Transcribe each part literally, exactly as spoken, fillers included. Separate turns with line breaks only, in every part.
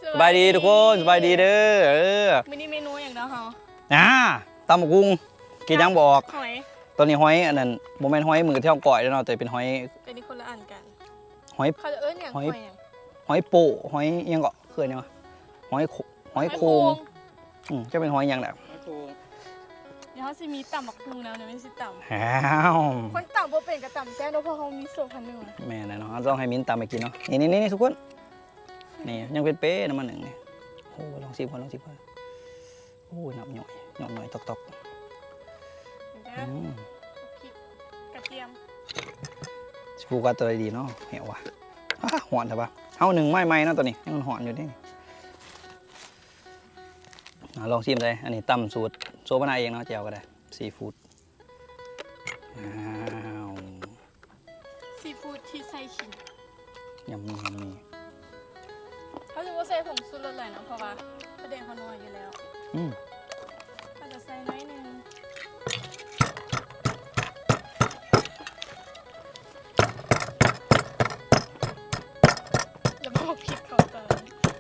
สบายดีทุกคนสบายดีเด้อเออ
มินิเมนูอย่างเดียวเหรอ
อ่าตำบักหุ่งกินยังบอก
หอย
ตอนนี้หอยอันนั้นโมเมนต์หอยมือเท่าก่อยแล้วเนาะแต่เป็นหอย
เป็นที่คนละอันกัน
หอย
เขาจะเอิ้นอย่างหอย
หอยโปหอยยังเกาะเคยเนี่ยวะหอยหอยโคงอืมจะเป็นหอยยังแบบ
เดี๋ยวเขาจะมีต่ำบักหุ่งแล้วเนี่ยไม่ใช่ต่ำ
อ้าว
คนต่ำบ่เป็นกับต่ำแซ่บเพราะเขามีโซ่พันหนึ่ง
แม่นะเนาะต้องให้มิ้นตามไปกินเนาะนี่นี่นี่ทุกคนนี่ยังเป็นเป๊ะน้ำมันหนึ่งนี่โอ้ลองสิบคนลองสิบคนโอ้หนับหน่อยหน่อยหน่อยตอกตอก
กระเทียม
ฟูกัสตัวดีเนาะเหวว่ะหอนใช่ปะเอาหนึ่งไม้ไม้นะตัวนี้ยังหอนอยู่นี่ลองชิมเลยอันนี้ตำสูตรโซบานาเองเนาะเจียวก็ได้ซีฟู้ดอ้าว
ซีฟู้ดที่ใส่ขิง
ยำมียำมี
เขาจะว่าใส่ผงชูรสเลยเนาะเพราะว่าประเด็นเขานัวอยู่แล้ว
อืม
เขาจะใส่น้อยนึงแล้วบอกผิดเขาตอน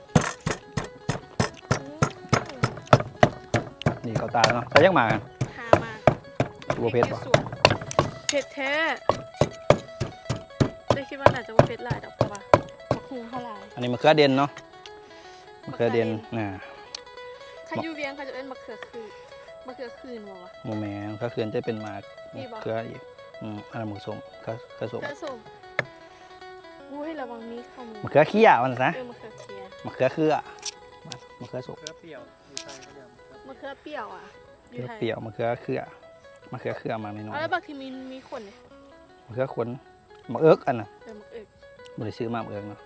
นี่เขาตาเนาะใส่ยังมากัน
หามา
บัวเพชรป่ะ
เผ็ดแท้ได้คิดว่าน่าจะว่าเผ็ดหลายดอกเพราะว่าบักหุ่งเท่าไหร่
อันนี้มะเขือเด่นเนาะมะเขือเด่นน่ะ
ข้ายูเวียงเขาจะเอิ้นมะเขือคืนมะเขือคืนวะ
โมแมนก็คือจะเป็นมะเขืออีกอืมอันนั้นมะส้มก็กระส้ม
กระส้มอุ้ยระวังมีข้าวมือ
มะเขือเขี้ยมันซะ
มะเขือเขี้ย
มะเขือเครือมะเขือส้ม
มะเขือเปรี้ยวอยู่ไทยก็ยัง
มะเขือเปรี้ยวอ่ะ
มะเขือเปรี้ยวมะเขือเครือมะเขือเครือมาในน้อย
แล้วบางทีมีมีขนเนี่ย
มะเขือขนมะเอิกอันน่ะ
เออมะเอิก
บริซื้อมามะเอิกเนาะ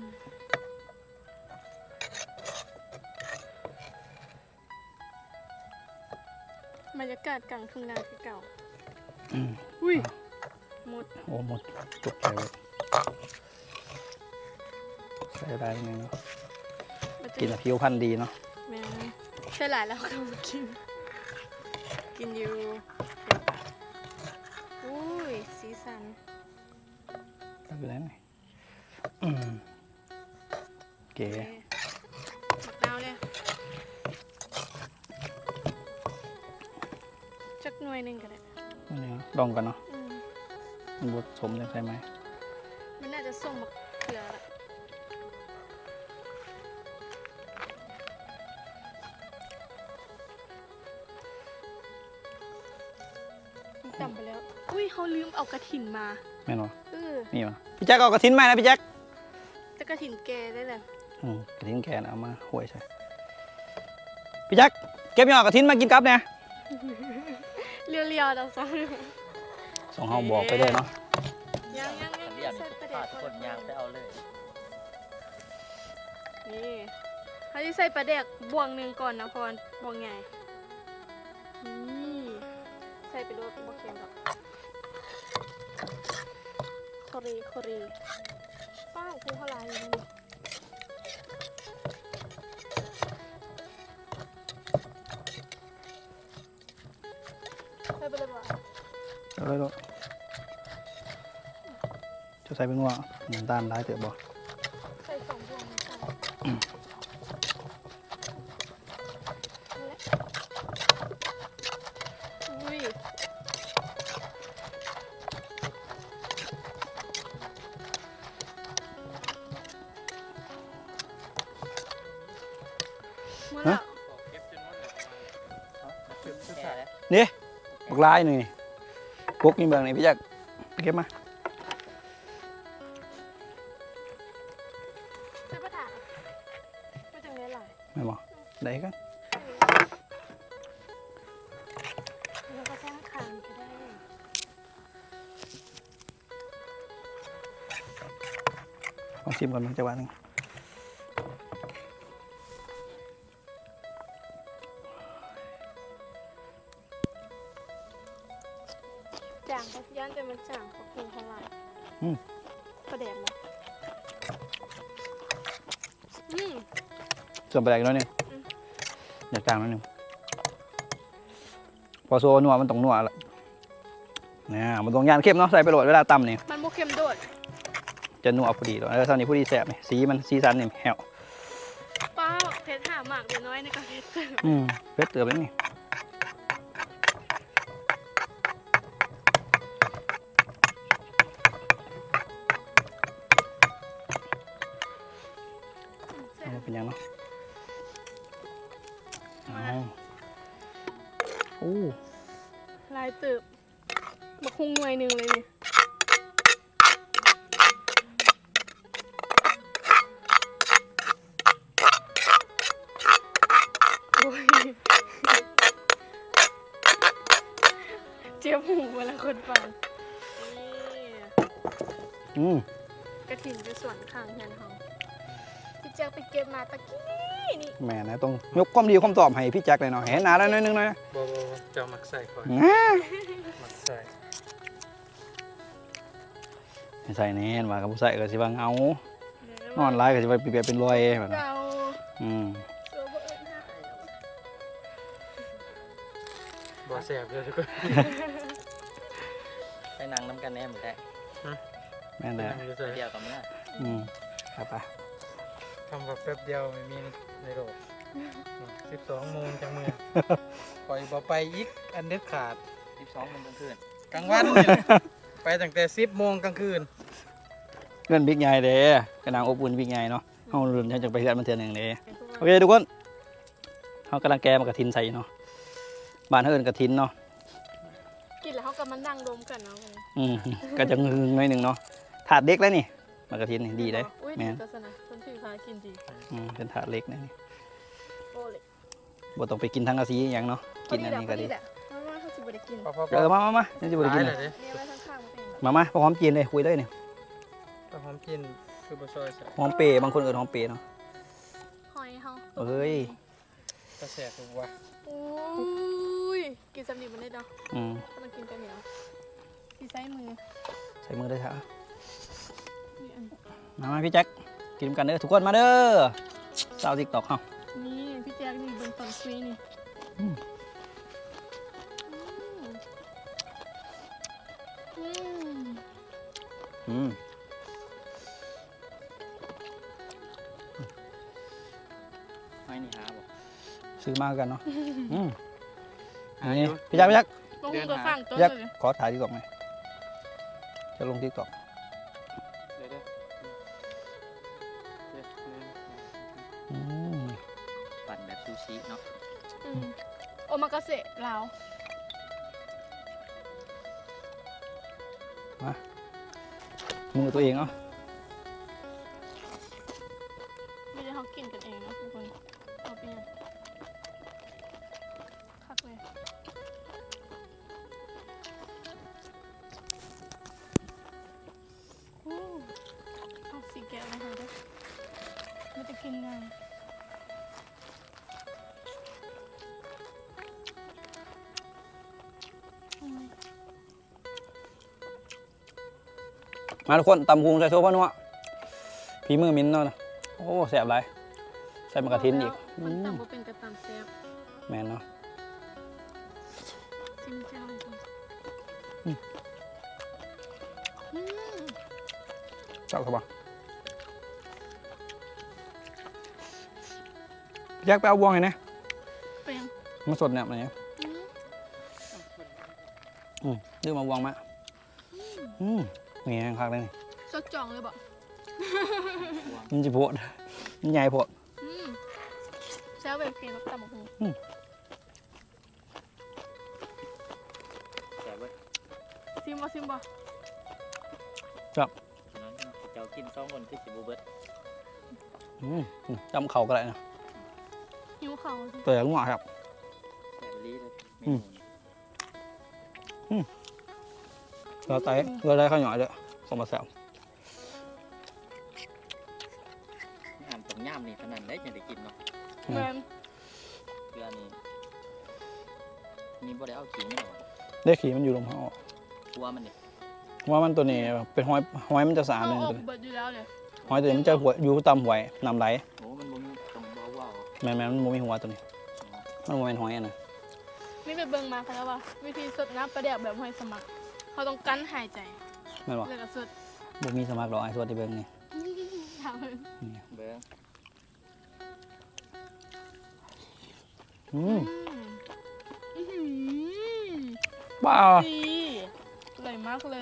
บรรยากาศกลางทุ่งนาที่เก่าอุ้ยหมด
โอ้หมดตกใจเลยใส่ได้ยังไงเนาะกินผิวพรรณดีเนาะ
แม่ใช่หลายแล้วก็มากินกินอยู่อุ้ยสีสัน
ก็คืออะไรเก๋
หมักดาวเลยจักหน่วยหนึ่งก็ได้
นี่ลองกันเนาะมันบดสมจะใช่ไหม
มันน่าจะส้มมะเขือละจำไปแล้วอุ้ยเขาลืมเอากระถินมา
ไม่หรอ
เออ
นี่วะพี่แจ๊คเอากระถินมานะพี่แจ๊ค
จะกระถินแกได้เลย
อืมกระถินแกนะเอามาห่วยใช่พี่แจ๊คเก็บยอดกระถินมากินกับเนี่ย
เรียวๆเราซ้อน
ส่งห้องบอกไปเลยเนาะ
ยังยังยัง
เรียนขาดคนยางไปเอาเลย
นี่เขาจะใส่ปลาแดกบวงหนึ่งก่อนนะพรบวงใหญ่นี่ใส่ไปด้วยบวงเค็มดอกโครีโครีป้าคือเท่าไรนี่ใส่ไปเลยบ่
เอาเลยลูกจะใส่เป็นว่าน้ำตาลร้ายเต๋อบ่
ใส่สองดวงค่ะอุ้ยหมดแล้ว
นี่บักลายหนึ่งกุ๊กนี่เบิ่งนี่พี่แจ๊คเก็บมา
ซื้อปลาถาดไม่จังได้หลาย
ไม่บอกได้กัน
แล้วก็แช่น้ำขังก็ได้
ลองชิมก่อนมันจะหวานนึง
จางย่านแต่มันจางเขาคงเท่าไหร่ประเดี๋ยวมั้ง
ส่วนไปไหนกันน้อยนึงอยากจางน้อยนึงพอโซนัวมันต้องนัวละเนี่ยมันต้องย่านเข้มเนาะใส่ไปโหลดเวลาตำนี่
มันโมเข้มโดด
จะนัวพอดีเลยแล้วตอนนี้พอดีแสบนี่สีมันสีสันนี่แหว
ปเพชรหาหมากเดี๋ยวน้อยในกระเพชรเติม
อืมเพชรเติบแล้วนี่เอามาเป็นยังเนาะเอาโอ้
ลายเติบบักคุงหน่วยหนึ่งเลยนี่โอ้ยเจี๊ยบหูเวลาคนฟังนี่
อืม
กระถิ่นอยู่ส่วนข้างเฮียนเขาพี่แจ๊คไปเก็บมาตะกี้นี่
แหม่นะต้องยกความดีความตอบให้พี่แจ็คเลยเนาะเห็นหนาแล้วนิดนึงหน่อยนะ
บ่บ่บ่เจ้ามักใส่ก่อน
ง่า
มักใส่
ไม่ใส่แน่นว่ากับผู้ใส่ก็สิว่าเงา
เดี๋ยวน
อนร้ายก็สิว่าเปียกเป็นรอยแบบนั้น
เรา
อืม
เสือบ่เอิ้นหา
บ่แซ่บเลยทุกคน
ไปนั่งน้ำกันแน่หมดแหละ
แม่นแหละ
นั่งอยู่ใส่
เดียวกับเมื่อ
อืมครับไป
ทำแบบแป๊บเดียวไม่มีในโลกสิบสองโมงจังมือปล่อยบ่ไปอีกอันเด็ดขาด
สิบสองมันกลางคืน
กลางวันนี่แหละไปตั้งแต่สิบโมงกลางคืน
เพื่อนบิ๊กใหญ่เด้กระนางอบอุ่นบิ๊กใหญ่เนาะเฮาเริ่มจะไปเฮือนมันเทื่อหนึงเด้โอเคทุกคนเฮากำลังแกมากระทินใส่เนาะบ้านเฮาเอิ้นกระทินเนาะ
กินแล้วเขาก็มานั่งดมกันเนาะ
อืมก็จะงึงหน่อยหนึงเนาะถาดเล็กแล้วนี่มากระทินนี่ดีเด้
อุ้ย
แม่
ดี
น
ก็สนะคนถือพากินดี
อืมเป็นถาดเล็กนะนี่
โอ้เลย
บ่ต้องไปกินทั้งกะสีอหย่างเนาะกินอันนี้ก็ดี
แหละเพราะว่าเขาสิบ่ได้กิน
พอพอพ
เออมามามายังสิบ่ได้กิน
เล
เลย ย
เด้
เนี่ยไว้ข้างๆมันเป็นแบบ
มามาพอหอมจีนเลยคุยเลยนี่
พอหอมกินคือบ่ซอยใส่
หอมเปรย์บางคนเอิ้นหอมเปรย์เนาะ
หอยเฮา
เอ้ย
ก็แซ่บถูกว่า
อุ้ยกินสำลีมันได้เนาะ
อืม
ก็ต้องกินกันเหนียวที่ใช้มือ
ใส่มือด้วยเถอะ
นี่อัน
มามาพี่แจ็คกินกันเด้อทุกคนมาเด้อสาว TikTok เฮา
นี่พี่แจ๊คนี่เบิ่งตอนคุยนี่
อืม
อืม
อืม
ไม่นี่หาบอก
ซื้อมากันเนาะอืมนี่พี่แจ็คพี่แจ็ค
ลงมือกับฝั่งต้น
พี่แจ็ค
เลย
ขอถ่าย TikTok หน่อยจะลง TikTok
เดี๋ยวเด้อเดี๋ยวเดี๋ยว
อืม
ปั่นแบบซูชิเนาะ
อืมโอมากาเสะลาว
มือตัวเองเนาะ
ไม่ได้เขากินกันเองนะทุกคนเอาไปยังคักเลยอู้เอาสีแก้วมาให้ด้วยมันจะกินง่าย อืม
มาทุกคนตำพุงใส่โซ่พ่อนัวพีมือมิ้นเนาะโอ้แสบไรใส่มะกระทินอีก
มัน
อืม
ตำบ่เป็นกระตำแซ่บ
แมนเนาะ
ซิมเจ้าอีกคน
อืม
อืม
เจ้าครับพี่แจ็คไปเอาบวงไงนะ
เปรี้ยง
มาสดเนี่ยอะไรเนี่ย
อืม
อืมดื้อมาบวงมาอืมนี่แห้งคักเลยนี่
สดจ่องเลยบ่
มันจะโพดมันใหญ่โพด
อืมแซ่บแบบเค็มกับตำบักหุ่ง
แต่ว่า
ซิมบ่ซิมบ่
ฉะนั้นเจ้ากินสองคนคือสิบูเบิร์ต
อืมอืมจำเข่าก็ได้นะ
หิวเขาวสิ
เปิดงัวครับ
แสบลีเลยเม
อืม
นูนี่
เราไตเราได้ข้าวหน่อยเลยสมบัติแซว
อาหารต้มยำนี่เท่านั้นได้จะได้กินเนาะ
แม่น
เรือนี่นี่บ่ได้เอาขิงไม่หรอก
ได้ขี่มันอยู่ลงเขา
กลัวมันเนี่ย
ว่ามันตัวนี้เป็นหอยหอยมันจะสะอาด
เอา
เลย
ออก
ตัวนี้
เบิดอยู่แล้วเลย
หอยตัวนี้มันจะหัวอยู่ตามหวยนำไหล
โอ้มันบ่มีตรงบ่ว้าว
แมนแมนมันบ่มีหัวตัวนี้ มันบ่เป็นหอยอะนะ
นี่ไปเบิ่งมาค่ะแล้วว่า วิธีสดน้ำปลาแดกแบบห้อยสมัครเขาต้องกั้นหายใจ
แม่นบ่
แล้วก็สด
บ่มีสมัครดอกไอ้ส่วนที่เบิ่งนี่
ถามเลย
เบิ้ง
อืม
อืมอื้อหือ
บ้า
ดีอร่อยมากเลย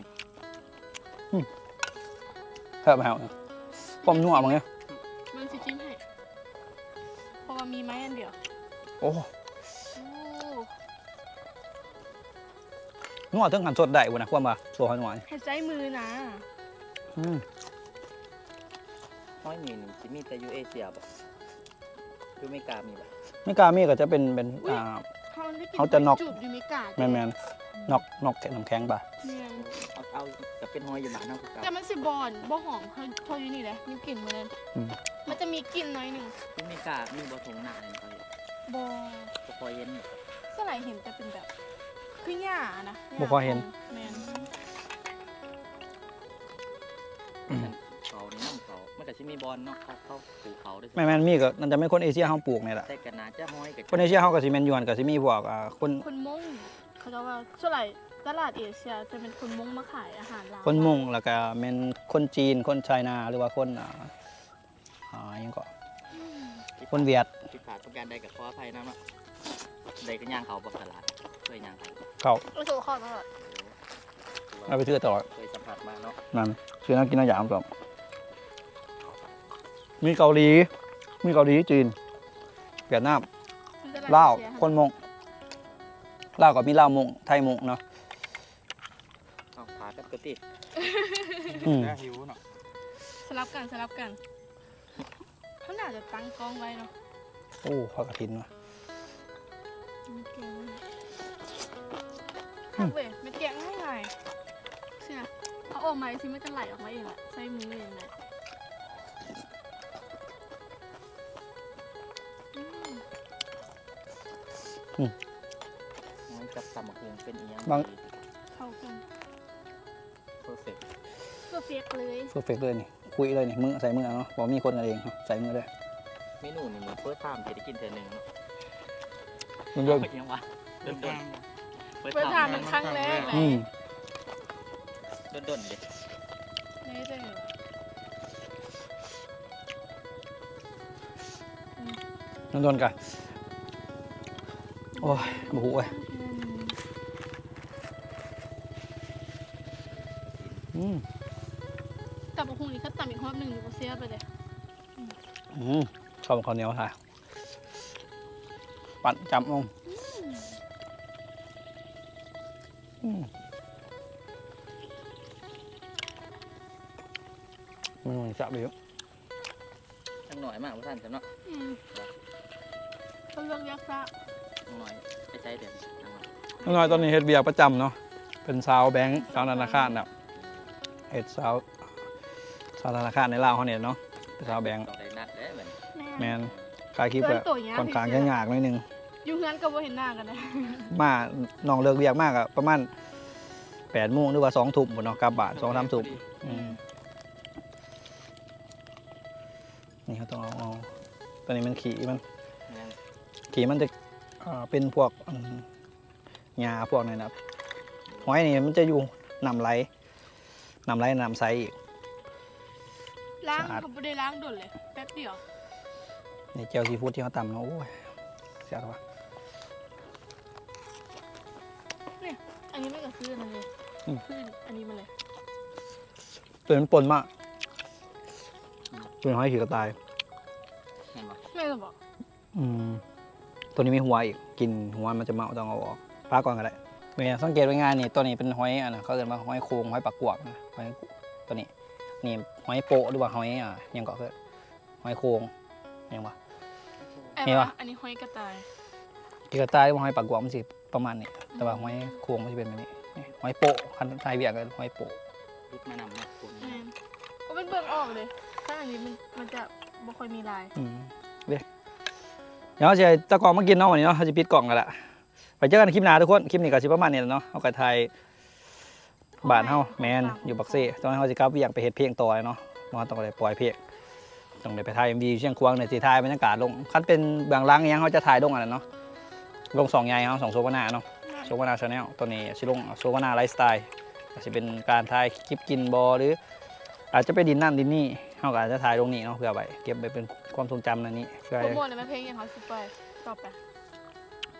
แซ่บแฮวความนัวมั้งเนี่ย
มันสิจิ้มให้เพราะว่ามีไม้อันเดียว
โอ้
โอ้
นัวถึงหันสดได้บ่นะความว่าสัวหอยนัวนี่
ให้ใจมือนะ
อืม
ห้อยมีหนึ่งจิมีแต่อยูเอเชียบ่อยูอเมริกามีบ่
ไม่กล้ามีก็จะเป็นเป็นอ่า
เขาได้กิน
เขาจะน็อก
จูบอยู่ไม่กาด
แมนแมนนอกนอกแข็งน้ำแข็งป่ะ
แม่น
เอาเอากับเป็นห้อยอยู่บ้านเฮาคือเก่า
แต่มันสิบอนบ่หอมเขาเขาอยู่นี่แหละมีกลิ่นเหมือนกัน
อืม
มันจะมีกลิ่นหน้อยหนึ่ง
อเมริกามีบ่ทงหน้าเลยเขาเห็น
บอ
บ่พอเย็น
สไลด์เห็นแต่เป็นแบบคือหญ้านะญ้า
บ่ค่อยเห็น
แมน
เขานี่น้ำเขามันก็สิมีบอลเนาะเขาเขาปลูกเขาด้วย
แมนแมนมีก็นั่นจะไม่คนเอเชียเฮาปลูกนี่แหละ
แต่กันนาจะห้อยกับ
คนเอเชียเฮาก็สิแม่นยวนก็สิมีพวกอ่าคน
คนมงเขาจะว่าสไลด์ตลาดเอเชียจะเป็นคนมงมาขายอาหารลาว
คนมุงแล้วก็แม่นคนจีนคนไชน่าหรือว่าคนอ่าอ่าหยังก็คนเวียด
ผิดพลาดประการใดกับขออภัยนะเนาะใดก็ย่างเขาบ่ตลาดเคยย่างเขา
เขา
ไม่ถูกข้อตลอด
เอาไปซื้อตลอด
เคยสัมผัสมาเนาะ
นั่นซื้อน้ำกินน้ำยามก่อนมีเกาหลี มีเกาหลีจีนเวียดนาม
ตด
ลาว
เอเชีย
คนมงลาวก็มีลาวมงไทยมงเนาะ
เอาพากันกติ
อืม
แล้วหิวเนาะ
สลับกันสลับกันเขาน่าจะตั้งกล้องไว้เนาะ
โอ้ข้าวกระถินว่ะ
ข้าวเว้ยไม่แกะง่ายไงใช่ไหมเอาออกมาสิมันจะไหลออกมาเองแหละใส่มือเองเลยอืม
มันกับตำบักหุ่งเป็นอีหยัง
เข้ากัน
เพอร์เฟกต์
เพอร์เฟกเลย
เพอร์เฟกเลยนี่คุยเลยนี่มือใส่มือเนาะบอกมีคนกันเองเนาะใส่มือเลย
เมนูนี่มันเฟิร์สไทม์จะได้กินเทื่อหนึงเนาะ
มันเยอะ
เป็นยังวะดนดน
เปิดทางมันครั้งแรกเลย
อืม
ดนดนๆเด็
นี่จะเหรอ
นั่นโดนกันโอ้ยบุหุเว้ยอืม
แต่บะฮุงนี่เขาตำอีกรอบหนึ่งอยู่ก็เสียไปเลย
อืมข้าวข้าวเหนียวค่ะปั่นจำลงอืมมันจับไปเยอะ
จังหน่อยมากว่าท่านจะเนาะ
อืมเขาเลือกยักษ์ซะ
จังหน่อยไปใช้เดือนจังหน่อย
น้องน้อยตอนนี้เฮ็ดเบียร์ประจำเนาะเป็นสาวแบงค์สาวธนาคารแบบเฮ็ดสาวสาวธนาคารในลาวเขาเนี่ยเนาะเป็นสาวแบงค์
ต้องได้นัดแล้วเหมือน
แมนขายคลิปแบบค่อนข้างจะยากหนิดนึง
อยู่เฮือนก็บ่เห็นหน้ากันเลย
มาน้องเลิกเบียกมากอะประมาณแปดโมงหรือว่าสองทุ่มหมดเนาะกลับบ้านสองสามทุ่มอืมนี่เขาต้องเอาเอาตอนนี้มันขี่มัน
แม่น
ขี่มันจะเอ่อเป็นพวกอืมหญ้าพวกนั้นนะหอยนี่มันจะอยู่น้ำไหลน้ำไหลน้ำใสอีก
ล้าง
สะอาด
เขาไม่ได้ล้างด่วนเลยแป๊บเดียว
นี่เจลซีฟู้ดที่เขาตำเนาะโอ้ยเสียดว่ะ
อันนี้ไม่กับซื้อนั่นเลย
อืม
ซื้ออันนี้มาเลย
ตัวมันปนมากตัวหอยขี่กระต่าย
เห็นปะ
แม่ก็บอก
อืมตัวนี้มีหัวอีกกินหัวมันจะเมาต้องเอาออกปลาก่อนก็ได้เมื่อสังเกตไว้ง่ายนี่ตัวนี้เป็นหอยอ่ะนะเขาเรียกว่าหอยโคงหอยปากกวกนะหอยตัวนี้นี่หอยโปะหรือว่าหอยอ่ะยังก็คือหอยโคงยังวะ
ไอ้
มี
วะ
ปะ
อันนี้ห้อยกระต่าย
กีกระต่ายหรือว่าหอยปากกวกมันสิประมาณนี้แต่ว่าหอยโคงมันจะเป็นแบบนี้นี่หอยโปะคันไทยเบียกกันหอยโปะ
รุดมานำเนาะคุณ
แม่นก็เป็นเบิ่งออกเลยถ้าอันนี้มันมันจะบ่ค่อยมีลาย
อืมเดี๋ยวเดี๋ยวเราจะตะกองมากินเนาะวันนี้เนาะเขาจะปิดกล่องกันละไปเจอกันคลิปหน้าทุกคนคลิปนี้ก็สิประมาณนี้แหละเนาะเอากระไทยบ้านเฮาแมนอยู่บักเซ่ตอนนั้นเขาจะกลับเวียงไปเฮ็ดเพลงต่อเนาะมาต้องไปปล่อยเพลงต้องไปถ่าย เอ็ม วี เชียงควางเนี่ยสิถ่ายบรรยากาศลงคันเป็นเบื้องหลังอิหยังเขาจะถ่ายลงอันนั้นเนาะลงสองใหญ่เฮาสองโซวานาเนาะโซวานาชาแนลตัวนี้สิลงโซวานาไลฟ์สไตล์ก็สิเป็นการถ่ายคลิปกินบอหรือ อาจจะไปดินนั่นดินนี่เขาก็อาจจะถ่ายลงนี่เนาะเพื่อไว้เก็บไปเป็นความทรงจำนั่นนี่เพื่อ
โปรโมทเลยไหมเพลงยังเขาสิไปต่อไป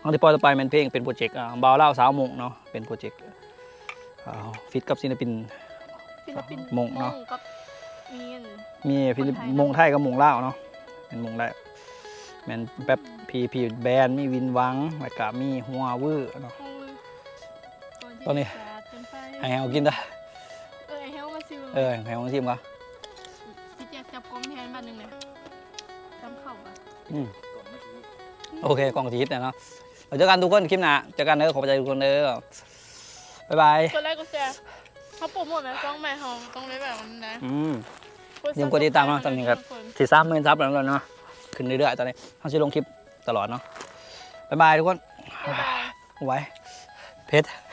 น้องที่ปล่อยต่อไปเป็นเพลงเป็นโปรเจกต์อ่าบ่าวเล่าสาวมงเนาะเป็นโปรเจกต์อ่าฟิตกับศิลปิน
ศิลปิน
มงเนาะ
กับมีน
มีฟิลิป
คนไทย
มงไทยกับมงลาวเนาะเป็นมงได้แมนแป๊บพีพีแบนด์มีวินวังแล้วก็มีหัววื้อเนาะ
โอ้ย
ตอนนี้
สาดจนไป
ให้เอากินได้
เออไอ้เฮลมาซิว
เออให้เอาชิมก่อน
พี่แจ๊คจับกล้องแทนบ้านหนึ่งเลยจำเข้าปะ
อืม
ก่อนเมื่อกี้
โอเคกล่องทีฮิตเนี่ยเนาะเราเจอกันทุกคนคลิปหน้าเจอกันเด้อขอบใจทุกคนเด้อบ๊ายบาย
กดไลค์กดแชร์เขาโปรโมทนะกล้องใหม่เขาต้องได้แบบนั้นนะ
อืม อย่าลืมกดติดตามเนาะตอนนี้ครับ สี่สามหมื่นซับแล้วเนาะขึ้นเรื่อยๆตอนนี้เขาจะลงคลิปตลอดเนาะบ๊ายบายทุกคน
บ๊ายบาย
ไว้เพชร